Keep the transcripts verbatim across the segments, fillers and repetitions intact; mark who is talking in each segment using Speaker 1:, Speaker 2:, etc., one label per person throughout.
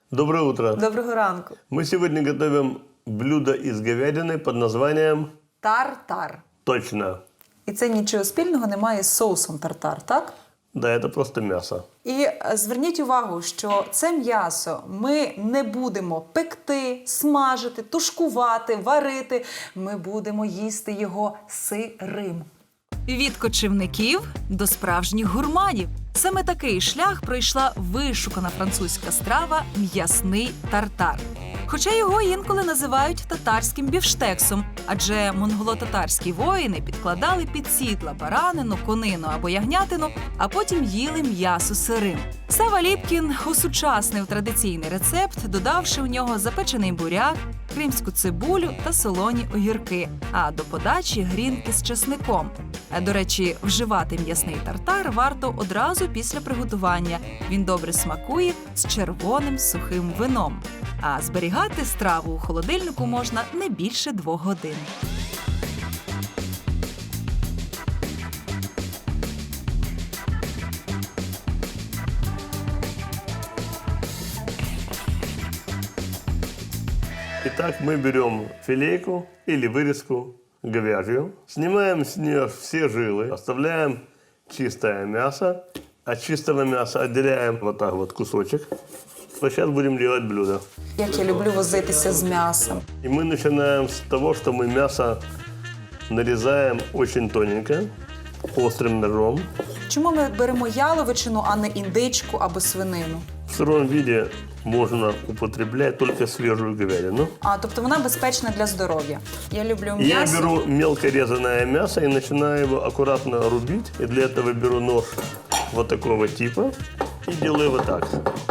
Speaker 1: Доброе утро.
Speaker 2: Доброго ранку.
Speaker 1: Мы сегодня готовим блюдо из говядины под названием...
Speaker 2: Тартар.
Speaker 1: Точно.
Speaker 2: І це нічого спільного немає з соусом тартар, так?
Speaker 1: Да, это просто мясо.
Speaker 2: І е, зверніть увагу, що це м'ясо ми не будемо пекти, смажити, тушкувати, варити. Ми будемо їсти його сирим.
Speaker 3: Від кочівників до справжніх гурманів. Саме такий шлях пройшла вишукана французька страва «м'ясний тартар». Хоча його інколи називають татарським бівштексом, адже монголо-татарські воїни підкладали під сідла баранину, конину або ягнятину, а потім їли м'ясо сирим. Сава Ліпкін осучаснив традиційний рецепт, додавши в нього запечений буряк, кримську цибулю та солоні огірки, а до подачі грінки з чесником. До речі, вживати м'ясний тартар варто одразу після приготування. Він добре смакує з червоним сухим вином. А зберігати страву у холодильнику можна не більше двох годин.
Speaker 1: Итак, мы берем филейку или вырезку говяжью, снимаем с нее все жилы, оставляем чистое мясо. От чистого мяса отделяем вот так вот кусочек. Вот сейчас будем делать блюдо.
Speaker 2: Як я люблю возитися з м'ясом.
Speaker 1: И мы начинаем с того, что мы мясо нарезаем очень тоненько, острым ножом.
Speaker 2: Чому ми беремо яловичину, а не індичку або свинину?
Speaker 1: В сыром виде можно употреблять только свежую говядину.
Speaker 2: А, тобто вона безпечна для здоров'я. Я люблю
Speaker 1: Я
Speaker 2: м'ясо.
Speaker 1: беру мелко резаное мясо и начинаю его аккуратно рубить. И для этого беру нож вот такого типа и делаю вот так.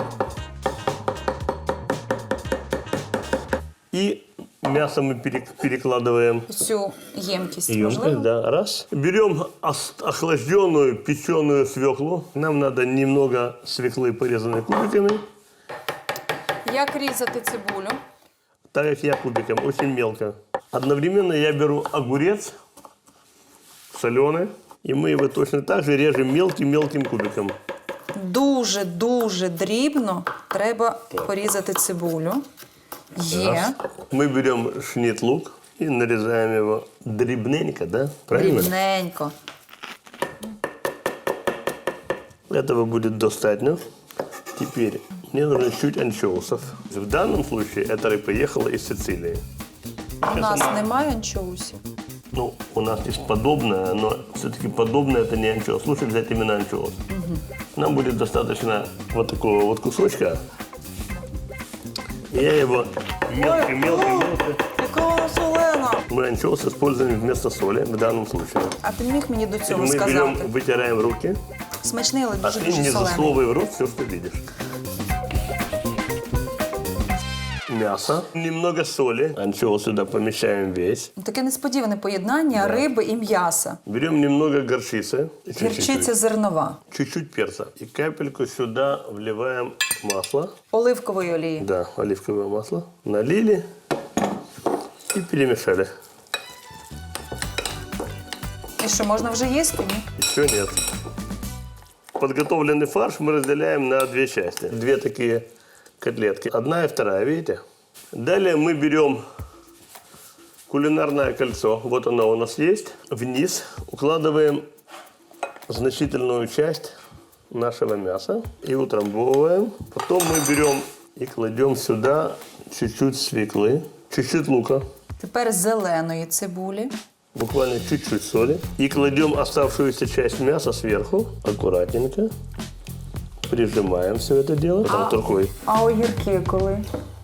Speaker 1: И мясо мы перек- перекладываем
Speaker 2: Цю ємкість,
Speaker 1: в емкость,
Speaker 2: можливо?
Speaker 1: да, раз. Берем ос- охлажденную печеную свеклу. Нам надо немного свеклы, порезанной кубиками.
Speaker 2: Як різати цибулю?
Speaker 1: Так как я кубиком, очень мелко. Одновременно я беру огурец соленый, и мы его точно так же режем мелким-мелким кубиком.
Speaker 2: Дуже-дуже дрібно треба порізати цибулю. Є.
Speaker 1: Раз. Мы берем шнит-лук и нарезаем его дрібненько, да? Правильно?
Speaker 2: Дрібненько.
Speaker 1: Этого будет достаточно. Теперь мне нужно чуть анчоусов. В данном случае эта рыба ехала из Сицилии.
Speaker 2: У нас немає анчоусів.
Speaker 1: Ну, у нас есть подобное, но все-таки подобное это не анчоус. Лучше взять именно анчоус. Нам будет достаточно вот такого вот кусочка. Я его мелко-мелко-мелко.
Speaker 2: Яка вона солена!
Speaker 1: Мы анчоус используем вместо соли в данном случае.
Speaker 2: А ти міг мені до цього
Speaker 1: Мы берем,
Speaker 2: сказати?
Speaker 1: вытираем руки,
Speaker 2: Смачний, але
Speaker 1: а ты
Speaker 2: дуже-дуже
Speaker 1: не
Speaker 2: солений.
Speaker 1: засовывай в рот все, что видишь. Мясо, немного соли. Анчоус сюда помещаем весь.
Speaker 2: Таке несподіване поєднання риби і м'яса.
Speaker 1: Берем немного горчицы.
Speaker 2: Гірчиця
Speaker 1: Чуть-чуть.
Speaker 2: зернова.
Speaker 1: Чуть-чуть перца. И капельку сюда вливаем масло.
Speaker 2: Оливкової олії.
Speaker 1: Да, оливковое масло. Налили и перемешали.
Speaker 2: І що, можна вже їсти? Ні?
Speaker 1: Еще нет. Подготовленный фарш мы разделяем на две части. Две такие котлетки. Одна и вторая, видите? Далее мы берем кулинарное кольцо. Вот оно у нас есть. Вниз укладываем значительную часть нашего мяса и утрамбовываем. Потом мы берем и кладем сюда чуть-чуть свеклы, чуть-чуть лука.
Speaker 2: Тепер зеленої цибулі.
Speaker 1: Буквально чуть-чуть соли. И кладем оставшуюся часть мяса сверху. Аккуратненько. Прижимаем все это дело. Потом рукой.
Speaker 2: А огірки коли?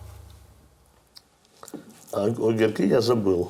Speaker 1: А огірки я забыл.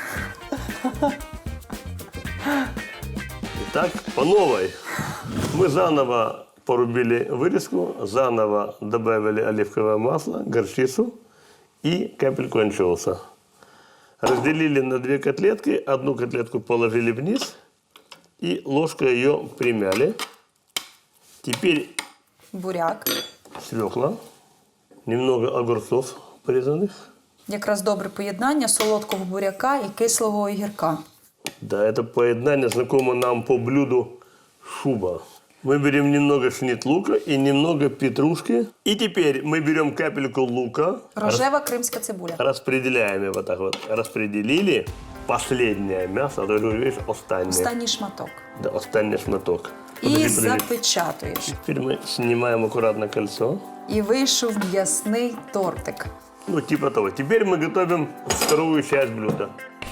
Speaker 1: Итак, по новой. Мы заново порубили вырезку, заново добавили оливковое масло, горчицу и капельку анчоуса. Разделили на две котлетки, одну котлетку положили вниз и ложкой ее примяли. Теперь
Speaker 2: Буряк.
Speaker 1: свекла, немного огурцов порезанных.
Speaker 2: Якраз добре поєднання солодкого буряка і кислого огірка.
Speaker 1: Да, это поедание знакомо нам по блюду шуба. Мы берем немного шнит лука и немного петрушки. И теперь мы берем капельку лука.
Speaker 2: Рожева кримська цибуля.
Speaker 1: Распределяем его вот так вот. Распределили. Последнее мясо, а то же, видишь, останнее.
Speaker 2: Останній шматок.
Speaker 1: Да, останнее шматок.
Speaker 2: І
Speaker 1: Подожди, подожди.
Speaker 2: запечатуєш.
Speaker 1: Теперь мы снимаем аккуратно кольцо.
Speaker 2: І вийшов м'ясний тортик.
Speaker 1: Ну, типа того. Теперь мы готовим вторую часть блюда.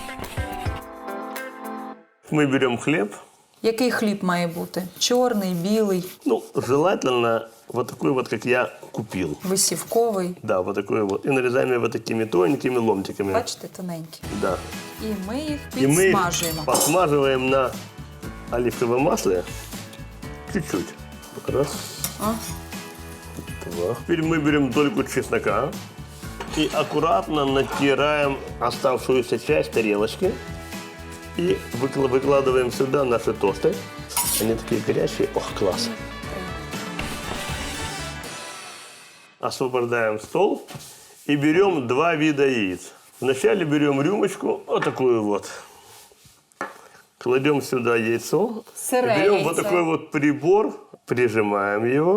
Speaker 1: Мы берем хлеб.
Speaker 2: Який хліб має бути? Чорний, білий,
Speaker 1: Ну, желательно вот такой вот, как я купил.
Speaker 2: висівковий.
Speaker 1: Да, вот такой вот. И нарезаем его такими тоненькими ломтиками.
Speaker 2: Бачите, тоненький.
Speaker 1: Да.
Speaker 2: І ми їх
Speaker 1: И мы их
Speaker 2: підсмажуємо.
Speaker 1: подсмаживаем на оливковом масле чуть-чуть. Раз,
Speaker 2: А?
Speaker 1: два. Теперь мы берем дольку чеснока и аккуратно натираем оставшуюся часть тарелочки. И выкла- выкладываем сюда наши тосты. Они такие горячие. Ох, класс. Освобождаем стол и берем два вида яиц. Вначале берем рюмочку, вот такую вот. Кладем сюда яйцо.
Speaker 2: Сырое
Speaker 1: Берем
Speaker 2: яйцо.
Speaker 1: вот такой вот прибор, прижимаем его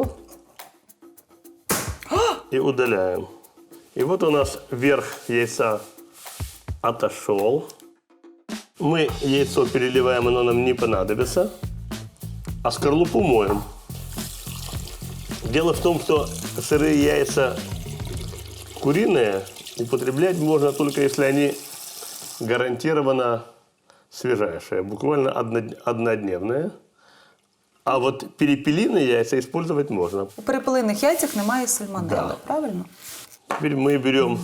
Speaker 1: и удаляем. И вот у нас верх яйца отошел. Мы яйцо переливаем, оно нам не понадобится. А скорлупу моем. Дело в том, что сырые яйца куриные употреблять можно только если они гарантированно свежайшие, буквально одно- однодневные. А вот перепелиные яйца использовать можно.
Speaker 2: У перепелиних яйцях немає сальмонелли,
Speaker 1: Да.
Speaker 2: правильно?
Speaker 1: Теперь мы берем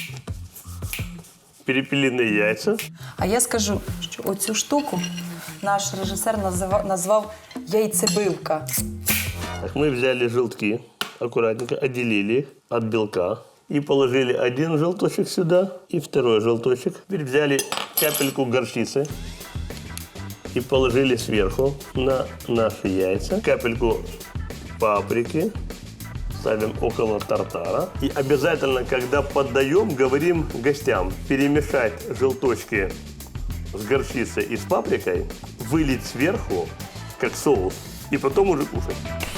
Speaker 1: перепелиные яйца.
Speaker 2: А я скажу, що оцю штуку наш режисер назива- назвав яйцебивка.
Speaker 1: Так, мы взяли желтки, аккуратненько отделили их от белка и положили один желточек сюда и второй желточек. Теперь взяли капельку горчицы и положили сверху на наши яйца. Капельку паприки ставим около тартара. И обязательно, когда подаем, говорим гостям перемешать желточки с горчицей и с паприкой, вылить сверху, как соус, и потом уже кушать.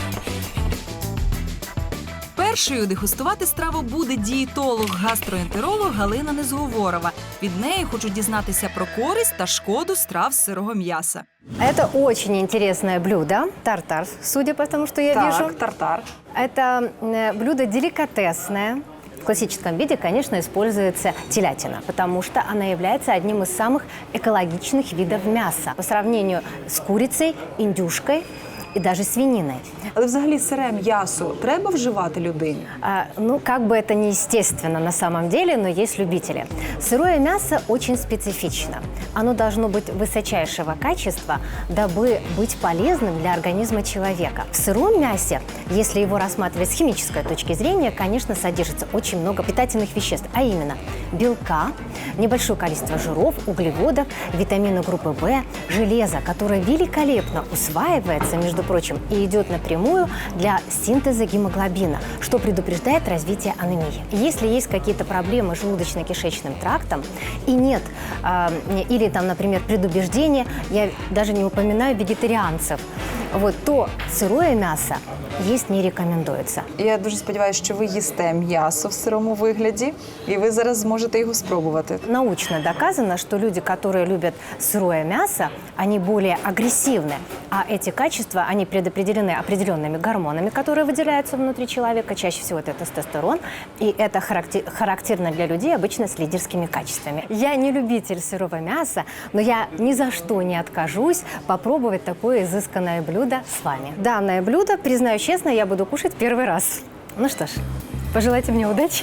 Speaker 3: Першою дегустувати страву буде дієтолог-гастроентеролог Галина Незговорова. Від неї хочуть дізнатися про користь та шкоду страв з сирого м'яса.
Speaker 4: Это очень интересное блюдо, тартар, судя по тому, что я вижу.
Speaker 2: тартар.
Speaker 4: Это э, блюдо деликатесное. В классическом виде, конечно, используется телятина, потому что она является одним из самых экологичных видов мяса по сравнению с курицей, индюшкой и даже свининой.
Speaker 2: Але взагалі сире м'ясо треба вживати людині?
Speaker 4: А, ну, как бы это не естественно на самом деле, но есть любители. Сырое мясо очень специфично. Оно должно быть высочайшего качества, дабы быть полезным для организма человека. В сыром мясе, если его рассматривать с химической точки зрения, конечно, содержится очень много питательных веществ, а именно белка, небольшое количество жиров, углеводов, витамины группы В, железо, которое великолепно усваивается, между прочим, и идет напрямую для синтеза гемоглобина, что предупреждает развитие анемии. Если есть какие-то проблемы с желудочно-кишечным трактом и нет, э, или там, например, предубеждение, я даже не упоминаю вегетарианцев, вот, то сырое мясо есть не рекомендуется.
Speaker 2: Я дуже сподіваюся, що ви їсте м'ясо в сирому вигляді, і ви зараз зможете його спробувати.
Speaker 4: Научно доказано, что люди, которые любят сырое мясо, они более агрессивны, а эти качества, они предопределены определенными гормонами, которые выделяются внутри человека, чаще всего это тестостерон, и это характер- характерно для людей обычно с лидерскими качествами. Я не любитель сырого мяса, но я ни за что не откажусь попробовать такое изысканное блюдо с вами. Данное блюдо, признаю честно, я буду кушать первый раз. Ну что ж, пожелайте мне удачи.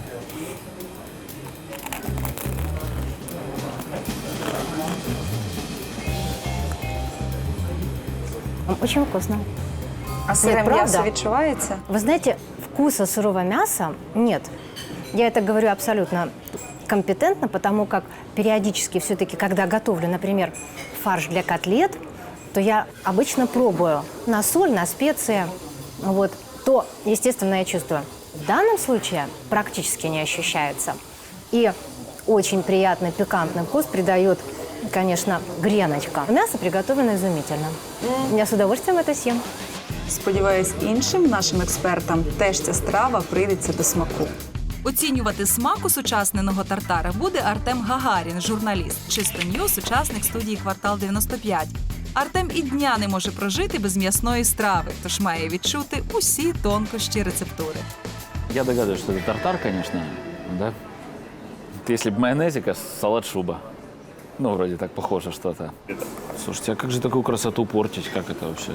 Speaker 4: Очень вкусно.
Speaker 2: А сире
Speaker 4: правда?
Speaker 2: м'ясо відчувається?
Speaker 4: Вы знаете, вкуса сырого мяса нет. Я это говорю абсолютно компетентно, потому как периодически все-таки, когда готовлю, например, фарш для котлет, то я обычно пробую на соль, на специи, вот, то, естественно, я чувствую. В данном случае практически не ощущается. И очень приятный пикантный вкус придает, конечно, греночка. Мясо приготовлено изумительно. Я с удовольствием это съем.
Speaker 2: Сподіваюсь, іншим нашим експертам теж ця страва прийдеться до смаку.
Speaker 3: Оцінювати смак усучасненого тартара буде Артем Гагарін, журналіст, Чисто Ньюс, учасник студії «Квартал дев'яносто п'ять». Артем і дня не може прожити без м'ясної страви, тож має відчути усі тонкощі рецептури.
Speaker 5: Я догадываюсь, что это тартар, конечно, да? Если бы майонезика, салат шуба. Ну, вроде так похоже что-то. Слушайте, а как же такую красоту портить? Как это вообще?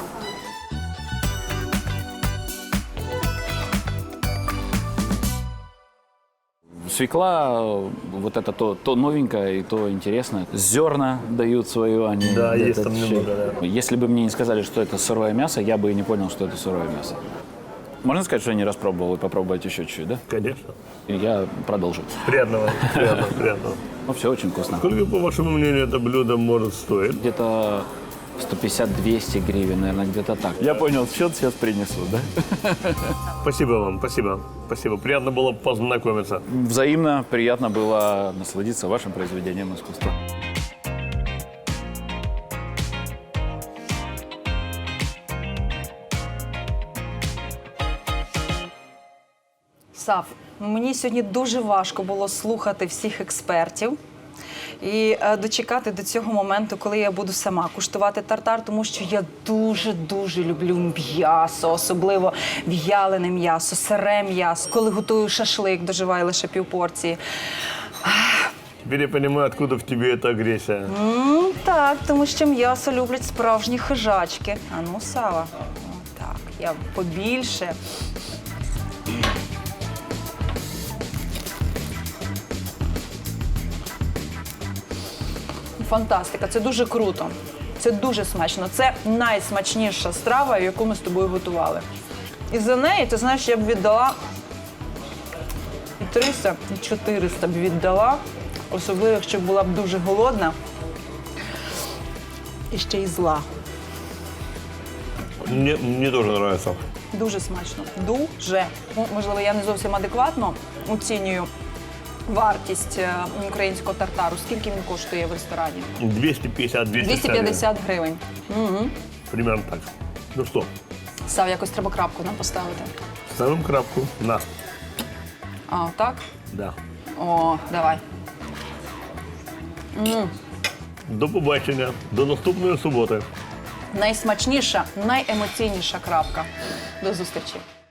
Speaker 5: Свекла, вот это то, то новенькое и то интересное. Зерна дают свое, они...
Speaker 1: Да, есть
Speaker 5: этот
Speaker 1: там
Speaker 5: щи-
Speaker 1: немного, да.
Speaker 5: Если бы мне не сказали, что это сырое мясо, я бы и не понял, что это сырое мясо. Можно сказать, что я не раз пробовал и попробовать еще чуть-чуть, да?
Speaker 1: Конечно.
Speaker 5: И я продолжу.
Speaker 1: Приятного, приятного, приятного.
Speaker 5: Ну, все очень вкусно.
Speaker 1: Сколько, по вашему мнению, это блюдо может стоить?
Speaker 5: Где-то сто пятьдесят - двести гривен, наверное, где-то так. Я понял, счет сейчас принесу, да?
Speaker 1: Спасибо вам, спасибо. Спасибо. Приятно было познакомиться.
Speaker 5: Взаимно приятно было насладиться вашим произведением искусства.
Speaker 2: Сав, мені сьогодні дуже важко було слухати всіх експертів і е, дочекати до цього моменту, коли я буду сама куштувати тартар, тому що я дуже-дуже люблю м'ясо, особливо в'ялене м'ясо, сире м'ясо. Коли готую шашлик, доживаю лише півпорції.
Speaker 1: Теперь я понимаю, откуда в тебе эта агрессия.
Speaker 2: М, так, тому що м'ясо люблять справжні хижачки. А ну, Сава, так, я побільше. Фантастика, це дуже круто. Це дуже смачно. Це найсмачніша страва, яку ми з тобою готували. І за неї, ти знаєш, я б віддала і триста, і чотириста б віддала, особливо, якщо б була б дуже голодна і ще й зла.
Speaker 1: Мне, мне тоже нравится.
Speaker 2: Дуже смачно. Дуже. Ну, можливо, я не зовсім адекватно оцінюю вартість е, українського тартару. Скільки він коштує в ресторані?
Speaker 1: двести пятьдесят - двести
Speaker 2: двісті п'ятдесят гривень. Угу.
Speaker 1: Примерно так. Ну что,
Speaker 2: Сав, якось треба крапку нам поставити.
Speaker 1: ставим крапку на.
Speaker 2: А, так?
Speaker 1: Да.
Speaker 2: О, давай.
Speaker 1: До побачення, до наступної суботи.
Speaker 2: Найсмачніша, найемоційніша крапка. До зустрічі.